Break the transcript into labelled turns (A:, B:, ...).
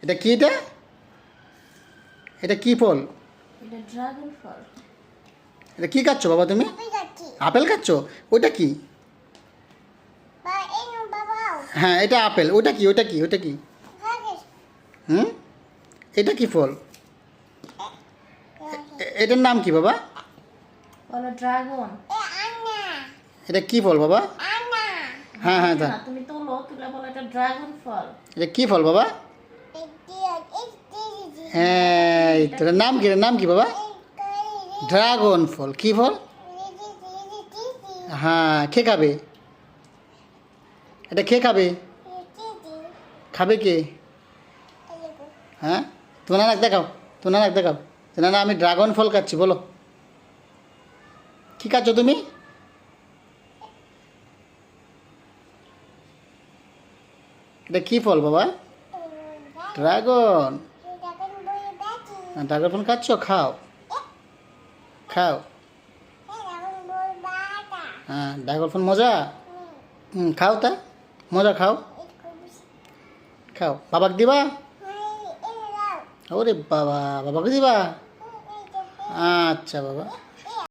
A: এটা কি? এটা এটা কি ফল?
B: এটা ড্রাগন ফল।
A: এটা কি খাচ্ছ বাবা তুমি? আপেল খাচ্ছ? ওটা কি? হ্যাঁ এটা আপেল। ওটা কি? ওটা কি? ওটা কি? হুম, এটা কি ফল? এটার নাম কি বাবা?
B: বলো ড্রাগন।
A: এটা কি ফল বাবা? হ্যাঁ হ্যাঁ
B: না, তুমি তুলো, তুলে বলো এটা ড্রাগন ফল।
A: এটা কি ফল বাবা? হ্যাঁ এটার নাম কি? এটার নাম কি বাবা? ড্রাগন ফল। কি ফল? হ্যাঁ, কে খাবে? এটা কে খাবে? খাবে কে? হ্যাঁ, তোমার নাক দেখাও, তোমার নাক দেখাও। না না, আমি ড্রাগন ফল খাচ্ছি। বলো কি খাচ্ছ তুমি? এটা কি ফল বাবা? ড্রাগন। ড্রাগন ফল খাচ্ছ? খাও খাও। হ্যাঁ, ড্রাগন ফল মজা। খাও তা, মজা খাও। খাও, বাবাকে দিবা? ওরে বাবা, বাবাকে দিবা? আচ্ছা বাবা।